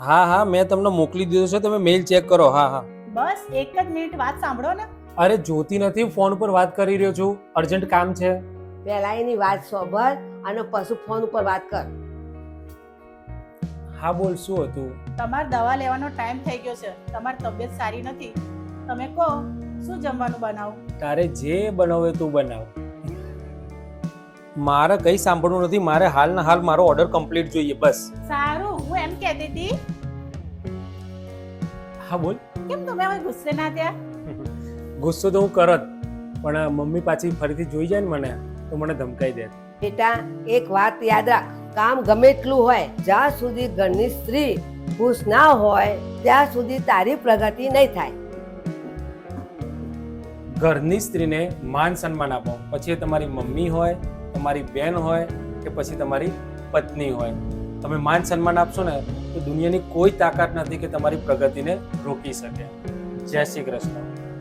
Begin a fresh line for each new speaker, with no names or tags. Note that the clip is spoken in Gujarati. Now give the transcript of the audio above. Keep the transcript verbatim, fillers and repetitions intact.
હા હા મેં તમને મોકલી દીધો છે, તમે મેલ ચેક કરો. હા હા.
બસ એક જ મિનિટ વાત સાંભળો ને.
અરે જોતી નથી, ફોન પર વાત કરી રહ્યો છું, અર્જન્ટ કામ છે.
પહેલા એની વાત સાંભળ અને પછી ફોન ઉપર વાત કર.
હા બોલ, શું હતું?
તમારે દવા લેવાનો ટાઈમ થઈ ગયો છે, તમારી તબિયત સારી નથી. તમે કહો શું જમવાનું બનાવું?
તારે જે બનાવે તું બનાવ, મારે કઈ સાંભળવું નથી. મારે હાલ ના હાલ મારો ઓર્ડર કમ્પ્લીટ જોઈએ, બસ.
સારું, હું એમ કહેતી હતી.
હા બોલ.
કેમ તમે હવે ગુસ્સે ના થયા?
ગુસ્સો તો હું કરત, પણ મમ્મી પાછી ફરીથી જોઈ જાય ને મને તો મને ધમકાઈ દે.
બેટા, એક વાત યાદ રાખ, કામ ગમે એટલું હોય, જ્યાં સુધી ઘરની સ્ત્રી ખુશ ના હોય ત્યાં સુધી તારી પ્રગતિ નહીં થાય.
ઘરની સ્ત્રીને માન સન્માન આપો, પછી એ તમારી મમ્મી હોય, તમારી બેન હોય કે પછી તમારી પત્ની હોય. તમે માન સન્માન આપશો ને તો દુનિયાની કોઈ તાકાત નથી કે તમારી પ્રગતિને રોકી શકે. જય શ્રી કૃષ્ણ.